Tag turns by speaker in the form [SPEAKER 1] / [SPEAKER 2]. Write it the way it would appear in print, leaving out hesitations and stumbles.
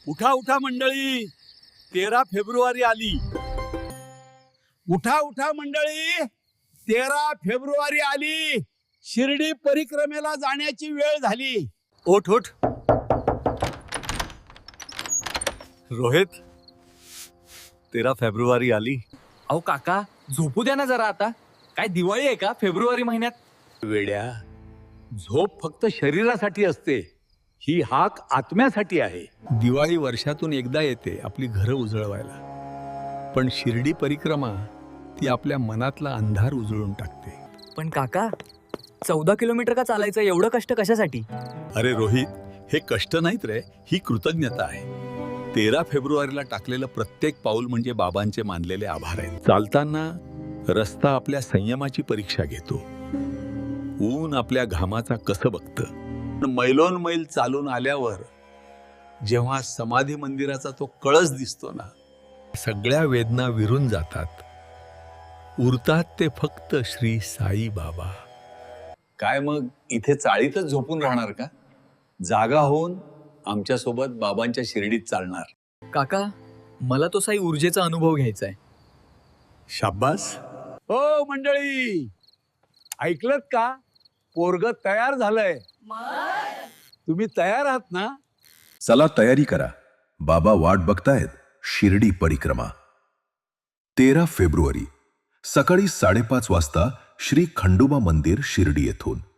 [SPEAKER 1] उठा उठा मंडळी, 13 फेब्रुवारी आली. उठा उठा मंडळी, 13 फेब्रुवारी आली. शिर्डी परिक्रमेला जाण्याची वेळ झाली. ओठ ओठ. रोहित, 13 फेब्रुवारी आली.
[SPEAKER 2] अहो काका, झोपू द्या ना जरा आता. काय दिवाळी आहे का फेब्रुवारी महिन्यात?
[SPEAKER 1] वेड्या, झोप फक्त शरीरासाठी असते, ही हाक आत्म्यासाठी आहे. दिवाळी वर्षातून एकदा येते आपली घरं उजळवायला, पण शिर्डी परिक्रमा ती आपल्या मनातला अंधार उजळून टाकते.
[SPEAKER 2] पण काका, 14 किलोमीटर का चालायचं? एवढं कष्ट कशासाठी?
[SPEAKER 1] अरे रोहित, हे कष्ट नाहीत रे, ही कृतज्ञता आहे. 13 फेब्रुवारीला टाकलेलं प्रत्येक पाऊल म्हणजे बाबांचे मानलेले आभार आहेत. चालताना रस्ता आपल्या संयमाची परीक्षा घेतो. ऊन आपल्या घामाचा कसं बघतं. मैलोन मैल चालून आल्यावर जेव्हा समाधी मंदिराचा तो कळस दिसतो ना, सगळ्या वेदना विरून जातात. उरतात ते फक्त श्री साई बाबा. काय मग इथे चाळीतच झोपून राहणार का? जागा होऊन आमच्या सोबत बाबांच्या शिर्डीत चालणार.
[SPEAKER 2] काका, मला तो साई ऊर्जेचा अनुभव घ्यायचा आहे.
[SPEAKER 1] शाब्बास. हो मंडळी, ऐकलत का? पोरग तयार झालंय. तुम्ही तयार आहात ना?
[SPEAKER 3] चला तयारी करा, बाबा वाट बघतायत. शिर्डी परिक्रमा 13 फेब्रुवारी सकाळी 5:30 वाजता श्री खंडोबा मंदिर शिर्डी येथून.